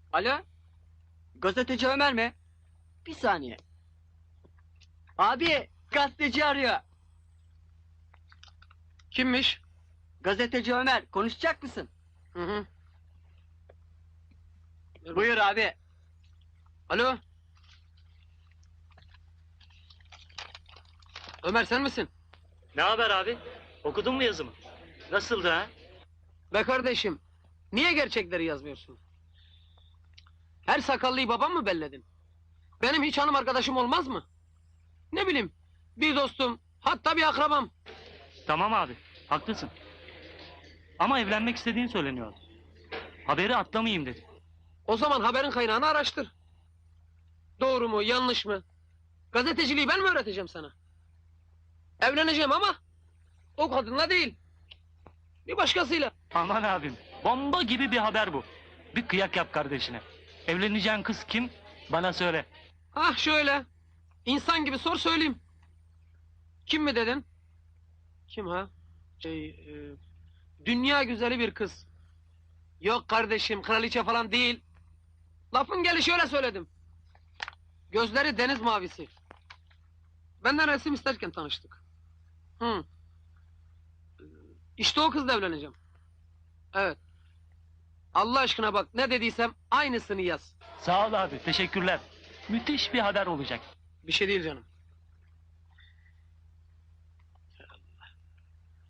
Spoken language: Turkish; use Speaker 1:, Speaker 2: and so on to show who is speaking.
Speaker 1: Alo? Gazeteci Ömer mi? Bir saniye. Abi, gazeteci arıyor.
Speaker 2: Kimmiş?
Speaker 1: Gazeteci Ömer, konuşacak mısın?
Speaker 2: Hı hı.
Speaker 1: Buyur abi.
Speaker 2: Alo? Ömer sen misin?
Speaker 3: Ne haber abi? Okudun mu yazımı? Nasıldı ha?
Speaker 2: Be kardeşim, niye gerçekleri yazmıyorsun? Her sakallıyı babam mı belledin? Benim hiç hanım arkadaşım olmaz mı? Ne bileyim, bir dostum, hatta bir akrabam.
Speaker 3: Tamam abi, haklısın. Ama evlenmek istediğin söyleniyor. Haberi atlamayayım dedi.
Speaker 2: O zaman haberin kaynağını araştır. Doğru mu, yanlış mı? Gazeteciliği ben mi öğreteceğim sana? Evleneceğim ama o kadınla değil. Bir başkasıyla.
Speaker 3: Aman abim, bomba gibi bir haber bu. Bir kıyak yap kardeşine. Evleneceğin kız kim? Bana söyle.
Speaker 2: Ah şöyle. İnsan gibi sor söyleyeyim. Kim mi dedin? Kim ha? Dünya güzeli bir kız. Yok kardeşim, kraliçe falan değil. Lafın gelişi öyle söyledim. Gözleri deniz mavisi. Benden resim isterken tanıştık. Hı. İşte o kızla evleneceğim. Evet. Allah aşkına bak, ne dediysem aynısını yaz.
Speaker 3: Sağ ol abi, teşekkürler. Müthiş bir haber olacak.
Speaker 2: Bir şey değil canım.